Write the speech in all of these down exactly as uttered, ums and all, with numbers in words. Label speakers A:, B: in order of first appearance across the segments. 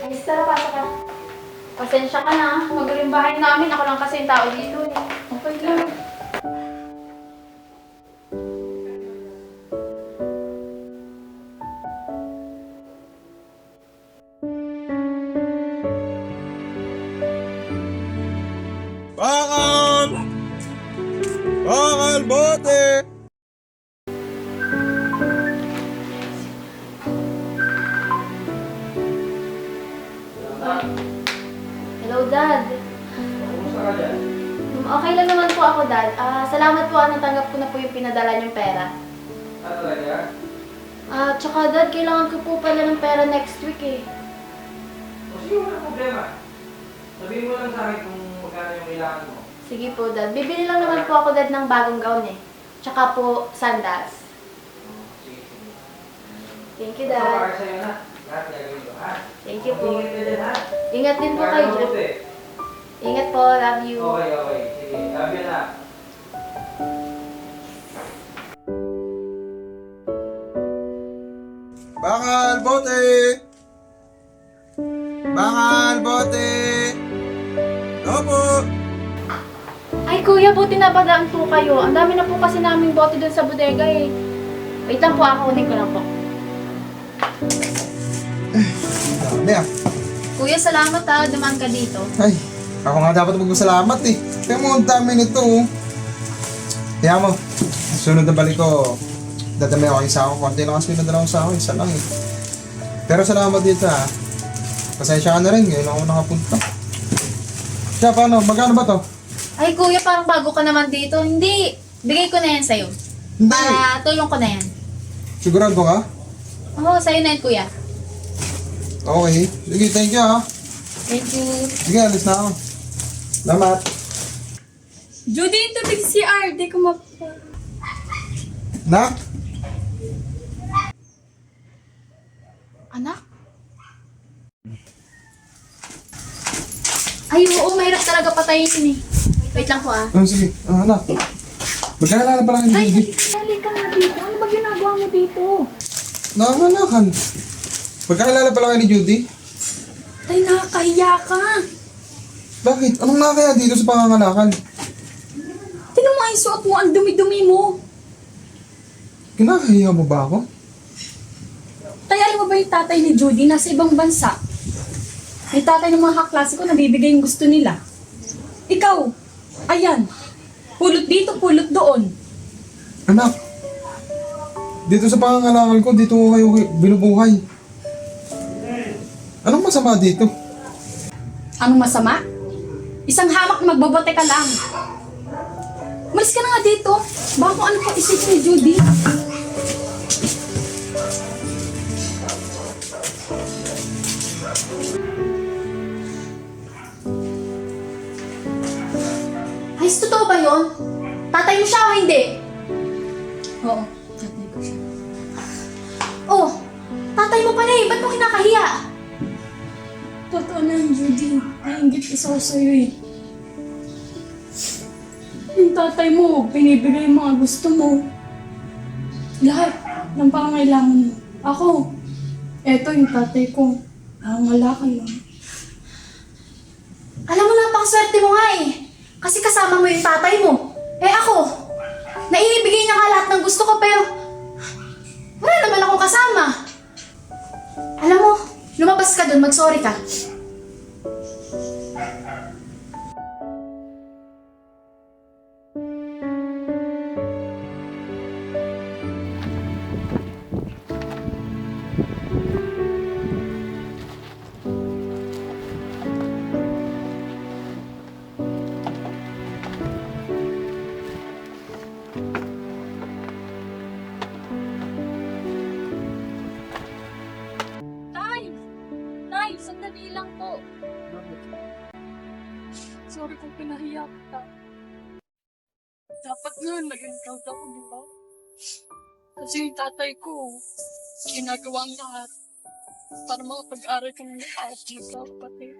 A: Miss, tara, pasok ka. Pasensya ka na. Magaling bahay namin. Ako lang kasi yung tao dito eh. Okay lang.
B: Bakal! Bakal, bote!
A: Hello, Dad.
B: Kumusta ka dyan?
A: Um, Okay lang naman po ako, Dad. Ah, salamat po, ah, natanggap ko na po yung pinadala niyong pera.
B: Ah, talaga?
A: Ah, tsaka, Dad, kailangan ko po pala ng pera next week eh.
B: O sige, wala problema. Sabihin mo lang sa akin kung magkano yung kailangan mo.
A: Sige po, Dad. Bibili lang naman po ako, Dad, ng bagong gown eh. Tsaka po, sandals.
B: Oh, sige, sige.
A: Thank you,
B: Ito
A: Dad.
B: para sa'yo na. Lahat gagawin ko, ha?
A: Thank you po.
B: Ingat ka dyan, ha?
A: Ingat din po
B: Magkano
A: kayo.
B: mabuti?
A: Ingat po. Love you.
B: Okay, okay. Sige, love you na. Bakal, bote! Bakal, bote! Opo!
A: Ay, kuya, buti na padaan po kayo. Ang dami na po kasi naming bote doon sa bodega eh. Wait lang po, ako unin ko lang po.
B: Dami ah.
A: Kuya, salamat ha. Dumaan ka dito.
B: Ay, ako nga dapat magpasalamat eh. Kaya mo, ang dami nito oh. Kaya mo, sunod na balik ko, dadami ako isa ako. Konti lang kasi pinadala ko sa ako, isa lang eh. Pero salamat dito ah. Pasensya ka na rin, ngayon ako nakapunta. Siya, paano? Magkano ba to?
A: Ay, kuya, parang bago ka naman dito. Hindi. Bigay ko na yan sa'yo.
B: Hindi!
A: Para tulong ko na yan.
B: Sigurado ka?
A: Oo, sa'yo na yan, kuya.
B: Okay. Sige, thank you ah.
A: Thank you.
B: Sige, alis na ako. Salamat.
C: Judy, tubig si R. Di ko map...
B: Nak?
A: Anak? Ay, oo, mahirap talaga patayin yun eh. Wait lang po ah.
B: Oh, sige. Ah, anak. Magkakilala pa lang
A: Ay,
B: hindi.
A: dali ka nga dito. Ano ba ginagawa mo dito?
B: Nakakalakan. Magkakilala pa lang kayo ni Judy?
C: Tay, nakakahiya ka.
B: Bakit? Anong nakakaya dito sa pangangalakan?
C: Tinan mo ang suot mo, ang dumi-dumi mo.
B: Kinakahiya mo ba ako?
C: Tay, alam mo ba yung tatay ni Judy nasa ibang bansa? Yung tatay ng mga kaklase ko, nabibigay yung gusto nila. Ikaw, ayan. Pulot dito, pulot doon.
B: Anak, dito sa pangangalakan ko, dito ko kayo binubuhay. Anong masama dito?
C: Anong masama? Isang hamak na magbabote ka lang. Malis ka na nga dito. Baka kung ano pa isipin ni Judy.
A: Ay, totoo ba yun? Tatay mo siya o hindi?
C: Oo, tatay ko siya.
A: Oh, tatay mo pala eh. Ba't mo kinakahiya?
C: Totoo na yung Judy. Nainggit isa ko sa'yo eh. Yung tatay mo, binibigay yung mga gusto mo. Lahat ng pangangailangan mo. Ako, eto yung tatay ko. Nangangalakan lang.
A: Alam mo, napakaswerte mo nga eh. Kasi kasama mo yung tatay mo. Eh ako, naibigay niya nga lahat ng gusto ko pero wala naman akong kasama. Alam mo, lumabas ka dun, mag-sorry ka.
C: Tay! Tay, sandali lang po. Sorry kung pinahiya kita. Dapat nga, naging proud ako, di ba? Kasi yung tatay ko, ginagawa ang lahat para makapag-aral ka ng maayos dito, kapatid.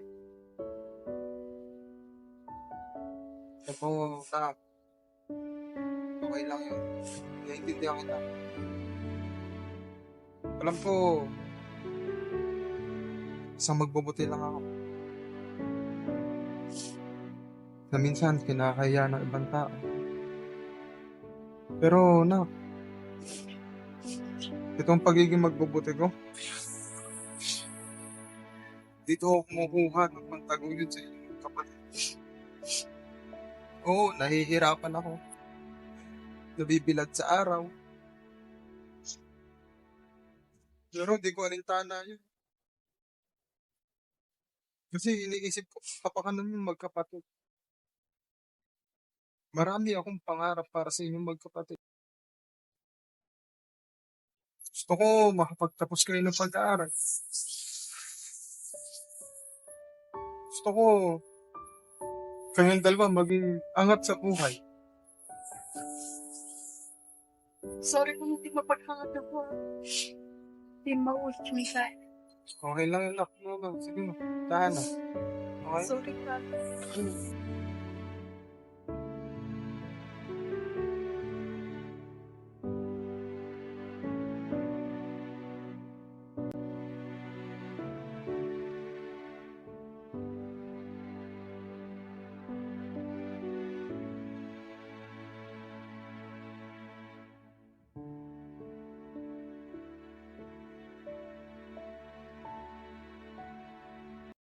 B: Ako, tak. Okay lang yun. Naiintindihan kita. Alam ko, Isang magbubuti lang ako. Na minsan, kinakaya ng ibang tao. Pero, nak, itong pagiging magbubuti ko, dito ako kumukuha ng pantaguyod sa inyong kapatid. Oo, nahihirapan ako. Nabibilad sa araw. Pero di ko alintana yun. Kasi iniisip ko, kapakanan yung magkapatid. Marami akong pangarap para sa inyong magkapatid. Gusto ko makapagtapos kayo ng pag-aaral. Gusto ko kayong dalawa maging angat sa buhay.
C: Sorry kung hindi mapaghangat ako. Hindi maulit yung isa.
B: Okay lang yun, nak. No, no. Sige mo. Tahan na. Okay?
C: Sorry, Tatay.